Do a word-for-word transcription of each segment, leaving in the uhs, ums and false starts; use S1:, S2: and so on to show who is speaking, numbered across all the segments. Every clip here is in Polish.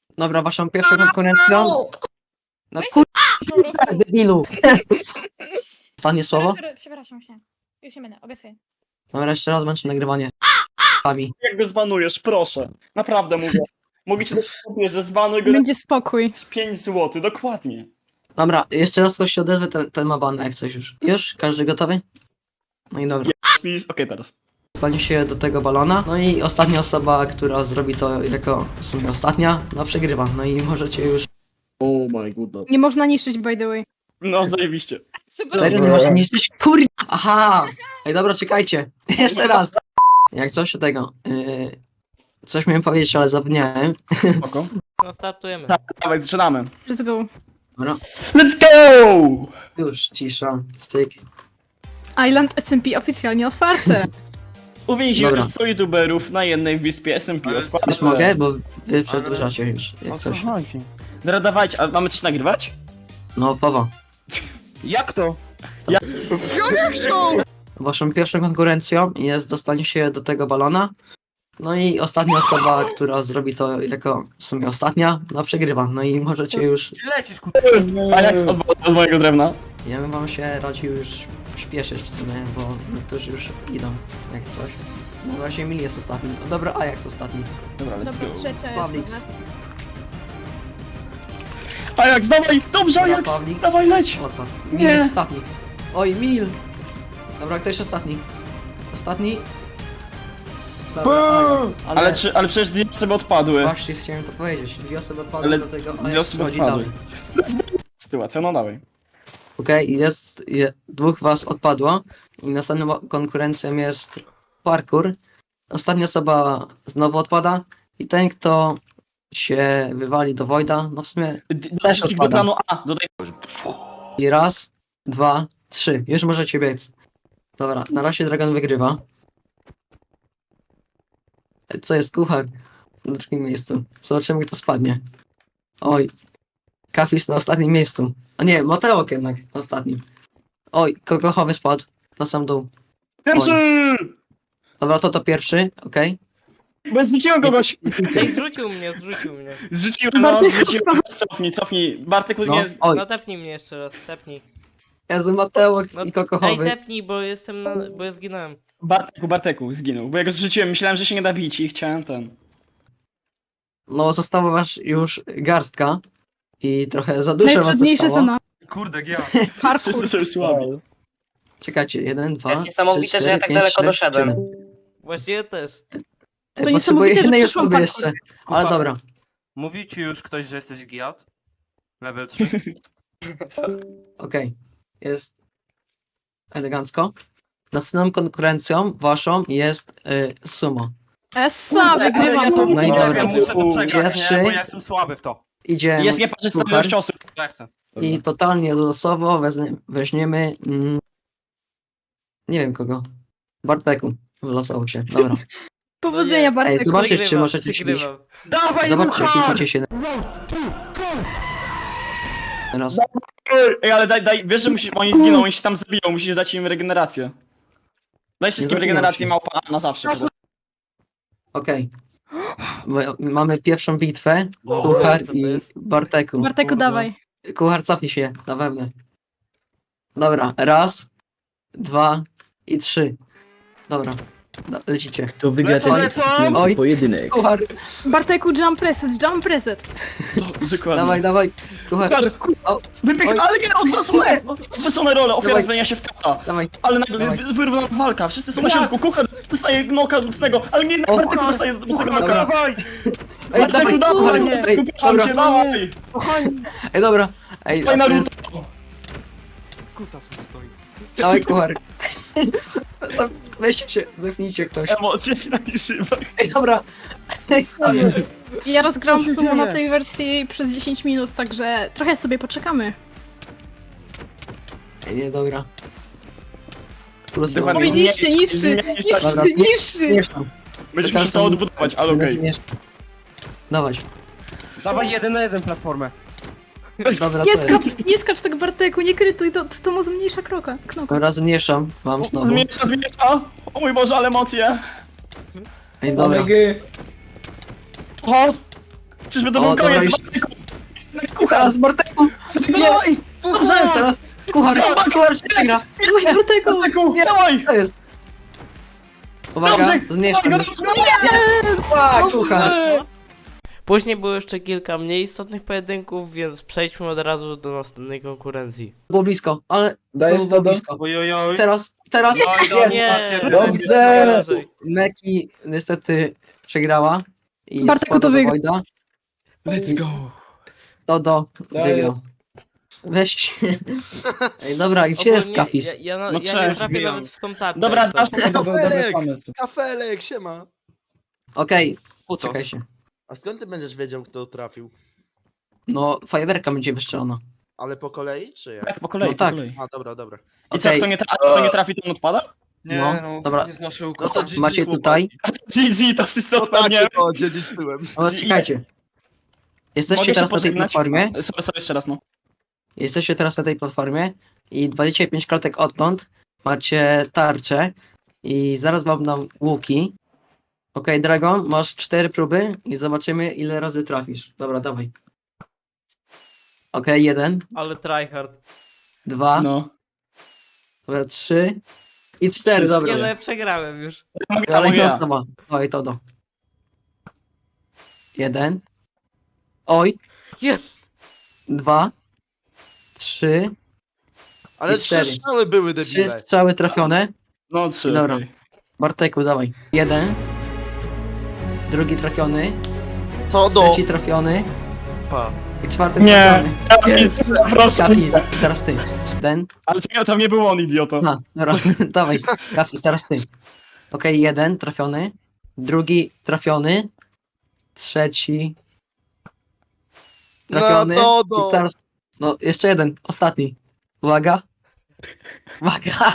S1: Dobra, waszą pierwszą konkurencją. No kurwa, debilu. Ostatnie słowo?
S2: Przepraszam, Przepraszam się. Już nie będę, obiecuję.
S1: Dobra, jeszcze raz męczę nagrywanie. Pami.
S3: Jak go zbanujesz, proszę. Naprawdę mówię. Mogę ci dać kopię, że zbanuj go
S2: Będzie spokój.
S3: z pięć złotych, dokładnie.
S1: Dobra, jeszcze raz ktoś się odezwie, ten, ten ma ban, jak coś już. Już? Każdy gotowy? No i dobra.
S3: Okej, okay, teraz.
S1: Stanie się do tego balona. No i ostatnia osoba, która zrobi to jako w sumie ostatnia, no przegrywa. No i możecie już...
S3: Oh my god.
S2: Nie można niszczyć, by the way.
S3: No, zajebiście.
S1: Serio, nie można niszczyć? Kur... Aha! Ej, dobra, czekajcie. Jeszcze raz. Jak coś do tego... Yy... Coś miałem powiedzieć, ale zapomniałem.
S3: Spoko.
S4: No startujemy.
S3: Tak, dawaj, zaczynamy.
S2: Let's go.
S1: Dobra.
S3: Let's go!
S1: Już, cisza. Styk.
S2: Island S M P oficjalnie otwarte.
S3: Uwięziłem
S1: Dobra.
S3: sto youtuberów na jednej wyspie S M P.
S5: Ale
S3: Odpalę.
S1: Już mogę, bo wy przedłużacie już.
S5: O
S1: Jak
S5: co
S1: coś.
S5: chodzi?
S3: Dobra, dawajcie, a mamy coś nagrywać?
S1: No, Pawa.
S5: Jak to?
S3: Ja-
S5: Ja nie chciał!
S1: Waszą pierwszą konkurencją jest dostanie się do tego balona. No i ostatnia osoba, która zrobi to jako w sumie ostatnia, no przegrywa. No i możecie już...
S5: Ty lecisz, ku...
S3: A jak z- od, od mojego drewna?
S1: Ja bym wam się radził już śpieszyć w sumie, bo niektórzy już idą, jak coś. Na razie Emil jest ostatni. O, dobra, Ajax ostatni.
S3: Dobra, let's
S2: Dobra,
S3: go.
S2: trzecia
S1: Pawlix.
S2: jest.
S3: Ajax, dawaj! Dobrze,
S1: Dobra,
S3: Ajax!
S1: Pawlix.
S3: Dawaj, leć!
S1: Odpadł. Mil
S3: Nie.
S1: jest ostatni. Oj, Mil! Dobra, kto jest ostatni? Ostatni? Dobra, Ajax. Ale,
S3: Ale, czy, ale przecież dwie osoby odpadły.
S1: właśnie chciałem to powiedzieć. Dwie osoby odpadły
S3: Ale
S1: do tego,
S3: dwie
S1: Ajax
S3: osoby
S1: wchodzi
S3: odpadły.
S1: dalej.
S3: Sytuacja, no dawaj.
S1: Okej, jest, je, dwóch was odpadło i następną konkurencją jest parkour. Ostatnia osoba znowu odpada i ten, kto się wywali do Wojda, no w sumie
S3: Dodaj wszystkich do
S1: odpada.
S3: planu A, dodaj.
S1: i raz, dwa, trzy. Już możecie biec. Dobra, na razie Dragon wygrywa. Co jest kuchar? Na drugim miejscu. Zobaczymy, kto spadnie. Oj. Kafis na ostatnim miejscu. A nie, Mateok jednak na ostatnim. Oj, kokochowy spadł. Na sam dół.
S3: Pierwszy!
S1: Dobra, to to pierwszy, okej.
S3: Bo zrzuciłem kogoś!
S4: Ej, zrzucił mnie, zrzucił mnie.
S3: Zrzuciłem, no, zrzuciłem. Cofnij, cofnij. Bartek
S1: No,
S3: nie...
S1: oj,
S4: No tepnij mnie jeszcze raz, tepnij.
S1: Jezu, Mateok
S4: No,
S1: i
S4: Ej,
S1: kokochowy.
S4: tepnij, bo jestem na... bo ja zginąłem.
S3: Barteku, Barteku, zginął. Bo ja go zrzuciłem, myślałem, że się nie da bić i chciałem ten.
S1: No, została was już garstka. I trochę za dużo was
S2: Najtrudniejsze za
S1: zostało.
S2: nami.
S5: Kurde, ja.
S2: Parkour.
S3: Wszyscy są słabi.
S1: Czekajcie, jeden, dwa,
S6: Jest niesamowite,
S1: trzy,
S6: że ja
S1: cztery,
S6: tak
S1: pięć,
S6: daleko
S1: sześć,
S6: doszedłem.
S1: siedem.
S4: Właśnie ja też.
S1: Ej,
S2: To
S1: potrzebuję
S2: niesamowite, że
S1: jednej
S2: przeszłam
S1: osoby
S2: parkour.
S1: jeszcze. Ale
S5: Kupa.
S1: dobra.
S5: Mówił ci już ktoś, że jesteś giat? Level trzy?
S1: Okej, jest elegancko. Następną konkurencją waszą jest y, sumo.
S2: Essa,
S5: Ale ja
S2: wygrywam.
S5: to
S1: No i
S5: nie
S1: dobra.
S5: wiem, muszę to przegrać,
S1: Pierwszy.
S5: nie? Bo ja jestem słaby w to.
S1: Idzie
S3: Jest nieparzysta
S1: Kuchar
S3: ilość osób.
S5: Ja chcę.
S1: i totalnie losowo wezmie, weźmiemy... Mm, nie wiem kogo. Barteku wylosował się, dobra.
S2: Powodzenia,
S1: Ej,
S2: Bartek.
S1: zobaczcie, czy
S4: Przegrywam,
S1: możecie się bić.
S4: przegrywam.
S5: Dawaj,
S1: Zobaczcie,
S5: Kuchar!
S1: kliknijcie się. Teraz.
S3: Ej, Ej, ale daj, daj, wiesz, że musi, oni zginą, oni się tam zabiją, musisz dać im regenerację. Daj wszystkim
S1: zabiją
S3: regenerację
S1: się.
S3: małpa A na zawsze.
S1: Okej. My- Mamy pierwszą bitwę.
S5: O,
S1: Kuchar
S4: co to
S1: i
S4: jest?
S1: Barteku.
S2: Barteku,
S5: Kurde.
S2: dawaj.
S1: Kuchar, cofnij się na wewnę. Dobra, raz, dwa i trzy. Dobra, da- lecicie.
S7: To wygra
S5: Lecą,
S7: ten
S5: lecą!
S7: ekscytujący
S1: Oj.
S7: pojedynek.
S1: Kuchar,
S2: Barteku, jump preset, jump preset.
S3: Dokładnie.
S1: dawaj, dawaj. Kuchar,
S3: Kuchar, kurwa,
S1: O,
S3: wypiek,
S1: oj.
S3: ale nie, odwrócone! Odwrócone role, ofiara
S1: Dawaj.
S3: zmienia się w kata.
S1: dawaj.
S3: Ale nagle
S1: Dawaj.
S3: wy- wyrównana walka, wszyscy są na środku, kuchar dostaje noka mocnego, ale nie,
S1: O,
S3: Bartek
S5: Kuchar,
S3: dostaje mocnego
S5: Kuchar,
S3: noka.
S5: dawaj!
S1: Ej,
S3: Barteku,
S1: dawaj,
S3: dawaj,
S1: Kuchar, ej,
S3: kupiłam
S1: dobra.
S3: cię, dawaj!
S1: Ej, dobra. Ej,
S3: Dawaj
S1: a to
S3: Naruto!
S1: jest,
S5: Kutas mi stoi.
S1: dawaj, Kuchar. Tam, weźcie się, zepnijcie ktoś.
S3: Emocje na grzybach.
S1: Ej, dobra. Ej, co jest?
S2: Ja rozgrałam
S5: Co się
S2: sumo na
S5: dzieje?
S2: tej wersji przez dziesięć minut, także trochę sobie poczekamy.
S1: Ej, nie, dobra. Plus
S3: Dokładnie.
S2: Oj,
S3: Zmienić-
S2: niszczy, niszczy,
S3: zmienić-
S2: niszczy,
S1: Dobra,
S2: niszczy.
S1: Zmieszam.
S3: Będziesz musiał to odbudować, ale okej.
S1: Dawać.
S5: Dawaj jeden na jeden platformę.
S1: Dobra,
S2: Nie
S1: to jest.
S2: skacz, nie skacz tak, Barteku, nie krytuj, to, to mu zmniejsza kroka, knoka.
S1: Dobra, zmniejszam. Mam znowu.
S3: Zmiesza, zmiesza! O mój Boże, ale emocje!
S1: Ej, dobra.
S3: O! Czyżby to
S1: O,
S3: był
S1: dobra,
S3: koniec?
S1: już-
S3: Bartek, Kuchar!
S1: Kuchar z Barteku! Nie! Dobrze, teraz kuchar, kuchar się przegra.
S2: Dawaj, Barteku!
S3: Barteku, dawaj!
S1: To jest. Uwaga,
S3: Dobrze!
S1: zmniejszam.
S3: Dawaj, dobrze!
S1: Tak, kuchar.
S4: Później było jeszcze kilka mniej istotnych pojedynków, więc przejdźmy od razu do następnej konkurencji.
S1: Było blisko, ale
S6: Dajesz
S1: znowu było
S6: to do-
S1: blisko.
S5: Ojojoj.
S1: Teraz, teraz
S5: Oj,
S1: jest.
S4: Nie,
S6: Dobrze.
S4: Gorzej.
S1: Meki niestety przegrała i
S2: Bartek,
S1: spada
S2: to
S1: do
S2: wygra.
S1: Wojda.
S3: Let's go!
S1: Dodo
S6: Daję.
S1: wygrał. Weź. Ej, dobra, gdzie jest
S4: Ogólnie
S1: Kafis?
S4: Ja, ja, na,
S3: No
S4: ja nie
S3: cześć,
S4: trafię
S5: zbijam.
S4: nawet w tą tarczę.
S3: Dobra,
S4: jak
S3: dasz
S4: coś.
S6: To był dobry
S7: Kafelek!
S6: pomysł.
S7: Kafelek, siema.
S1: Okej,
S5: Putos.
S1: czekajcie.
S7: A skąd ty będziesz wiedział, kto trafił?
S1: No, fajerwerka będzie wystrzelona.
S7: Ale po kolei, czy jak?
S3: Tak, po kolei,
S1: No tak.
S3: po kolei.
S7: A, dobra, dobra.
S3: I co,
S1: Okej.
S3: kto nie, tra- kto nie trafi, to on odpada?
S5: Nie,
S1: No,
S5: no,
S1: dobra.
S5: nie znoszę
S7: No
S5: ukocha.
S7: to G G,
S1: Macie
S7: chłopaki.
S1: tutaj.
S3: G G, to wszyscy
S7: No
S3: odpadnie.
S7: tak, to dziedziczyłem.
S1: No, czekajcie. Jesteście
S3: Mogę się
S1: teraz na tej
S3: pożegnać?
S1: platformie.
S3: Sorry, sorry, jeszcze raz, no.
S1: Jesteście teraz na tej platformie i dwadzieścia pięć klatek odtąd macie tarczę i zaraz wam dam łuki. Okej, Dragon, masz cztery próby i zobaczymy, ile razy trafisz. Dobra, dawaj. Okej, jeden,
S4: Ale tryhard.
S1: dwa,
S3: No.
S1: dobra, trzy i cztery,
S3: Wszystkie.
S1: dobra.
S4: Nie no, ja przegrałem już.
S3: Mogę,
S1: Ale
S3: mogę
S1: jedna
S3: ja.
S1: osoba. Oj, to do. Jeden. Oj.
S4: Jest.
S1: Dwa. Trzy.
S7: Ale
S1: I
S7: trzy
S1: cztery.
S7: strzały były,
S1: Trzy
S7: debile.
S1: strzały trafione.
S3: No, trzy,
S1: Dobra.
S3: okej.
S1: Barteku, dawaj. Jeden. Drugi trafiony.
S7: To do...
S1: Trzeci trafiony.
S7: Pa.
S1: I czwarty
S3: Nie,
S1: trafiony.
S3: Kafis, proszę.
S1: Kafis, teraz ty. Ten.
S3: Ale to, tam nie był on, idioto.
S1: A, dobra, dawaj. Kafis, teraz ty. Okej, jeden trafiony. Drugi trafiony. Trzeci. Trafiony.
S7: No, to do...
S1: I teraz. No, jeszcze jeden, ostatni. Uwaga. Uwaga.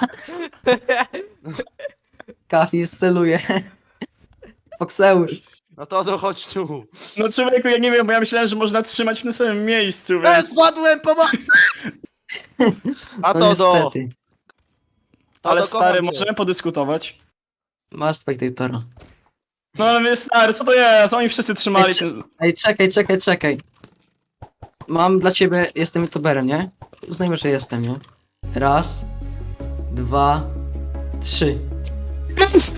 S1: Kafis celuje. Fokseusz.
S7: No to do, chodź tu.
S3: No człowieku, ja nie wiem, bo ja myślałem, że można trzymać w tym samym miejscu,
S7: E,
S3: więc...
S7: spadłem, pomocy! A
S1: No
S7: to do...
S1: niestety.
S7: To
S3: Ale
S7: do,
S3: stary,
S7: kocham cię.
S3: możemy podyskutować.
S1: Masz spektatora.
S3: No ale my, stary, co to jest? Oni wszyscy trzymali
S1: Ej,
S3: ten...
S1: Ej, czekaj, czekaj, czekaj. Mam dla ciebie, jestem youtuberem, nie? Uznajmy, że jestem, nie? Raz, dwa, trzy.
S3: Jest!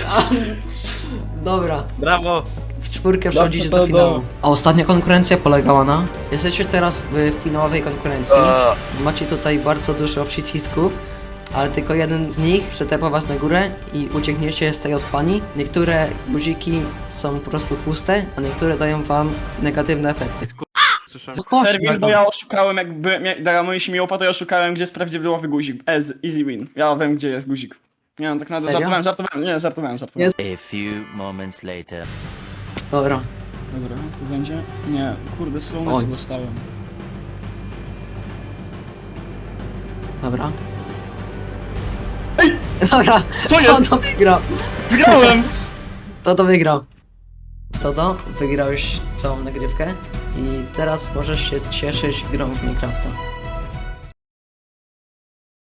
S1: Dobra,
S3: Brawo!
S1: w czwórkę przechodzicie
S6: to
S1: do
S6: do-
S1: finału. A ostatnia konkurencja polegała na... Jesteście teraz w finałowej konkurencji. Macie tutaj bardzo dużo przycisków, ale tylko jeden z nich przetepa was na górę i uciekniecie z tej ospani. Niektóre guziki są po prostu puste, a niektóre dają wam negatywne efekty.
S5: Słyszałem.
S1: No chodź,
S3: Serwin, bo
S1: Dragon.
S3: ja oszukałem, jakby Dragamoi się mi łopa, to ja oszukałem, gdzie jest prawidłowy guzik. Ez, easy win. Ja wiem, gdzie jest guzik. Nie no, tak naprawdę
S1: Serio?
S3: żartowałem, żartowałem, nie, żartowałem, żartowałem.
S1: Jest.
S8: A few moments later.
S1: Dobra,
S3: Dobra, tu będzie? Nie, kurde, slownessa
S1: Oj.
S3: dostałem.
S1: dobra. Dobra,
S3: Co jest?
S1: Toto wygrał.
S3: Wygrałem!
S1: Toto wygrał. Toto, wygrałeś całą nagrywkę i teraz możesz się cieszyć grą w Minecrafta.